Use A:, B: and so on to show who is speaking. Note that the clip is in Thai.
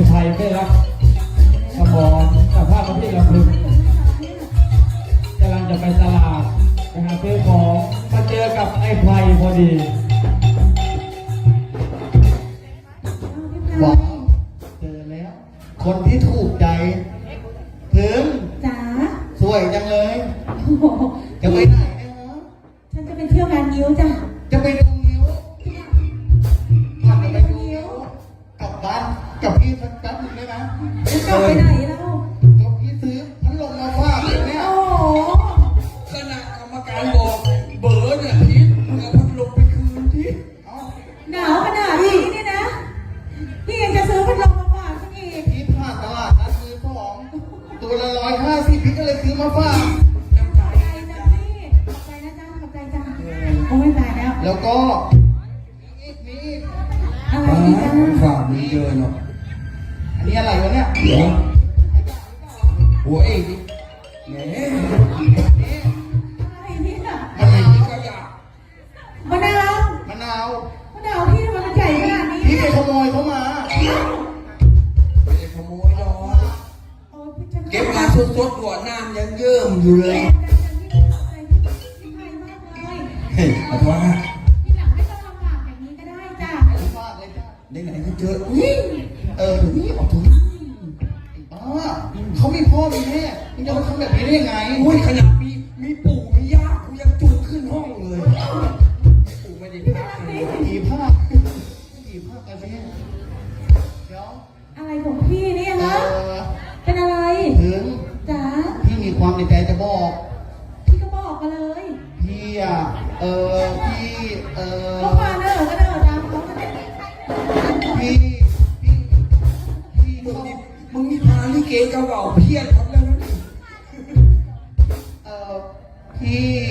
A: ไทยได้รับสมองกับภาพที่เราพึงกำลังจะไปตลาดไปหาซื้อของมาเจอกับไอ้ไพรพอดี
B: ว้าวเจอแล้ว คนที่ถูกใจถึง
C: จ๋า
B: สวยจังเลย
C: โอ้โห
B: จะไปไหนเนี่ยฮะ
C: ฉันจะไปเที่ยวงานนิ้วจ้ะ
B: จะไปดูนิ้วอยากไปดูนิ้วกลับบ้านกับพี่สักแป๊บนึงได้ไหม
C: จะกลับไปไหนแล้ว
B: ก็พี่ซื้อพัดลมมาฝากเลยเนี่ย
C: โอ้โห
D: คณะกรรมการบอกเบอร์เนี่ยพีทเอาพัดลมไปคืนที่
B: เอา
C: หนาวขนาดนี้เนี่ยนะพี่ยังจะซื้อพัดลมมาฝากฉันอีก
B: พี่ผ่านตลาดนัดมือสองตัวละ150พี่ก็เลยซื้อมาฝาก
D: น้ำใจ
C: ขอบใจจ้ะพี่ขอบใจนะจ๊ะขอบใจจ้ะโอ้ยตายแล้ว
B: แล้วก็มีอีก
C: อะไรอีกจ้ะ
D: ฝากมีเยอะเนาะ
B: อันนี้อะไรวะเนี่ย
D: เดี๋ยวหัวเองแหม
C: อะไรเนี่ย
D: อะไรนี่ก็อยาก
C: มะนาว
B: มะนาว
C: มะนาวพี่ทำไมมันใหญ่ขนาดนี้
B: พี่ไปขโมยเขามา
D: ไม่ได้ขโมยหรอก
C: โอ้ยพี่ฉัน
D: เก็บมาสดๆหัวน้ำยังเยิ่มอยู่เลย
C: พี่ไพมากเลย
D: เฮ้ยขอโทษนะ
C: ทีหลังไม่ต้องลำบากอย่างนี้ก็ได้จ้ะ
B: ฝากเลยจ้ะ
D: ไหนๆก็เจออุ้ย
B: ถึงนี่ออกถึงเขามีพ่อมีแม่มึงจะมาทำแบบนี้ได้ยังไง
D: อุ้ยขนาดมีปู่มีย่ากูยังจูงขึ้นห้องเลยปู่ไม่ได้พักเลย
B: ผีภาคผีภาคกันสิเดี๋ยว
C: อะไรของพี่เนี่ย
B: เอ
C: ฮะ
B: อ
C: เป็นอะไร
B: ถึง
C: จ๋า
B: พี่มีความในใจจะบอก
C: พี่ก็บอกมาเลย
B: พี่อ่ะพี่
C: ก็มาเนอะก็เนอะตามเขาก็ได้
B: พี่พี่
D: มึงนี่พาลิเกเก่าๆเพี้ยนครับแล้วนะนี่
B: พี่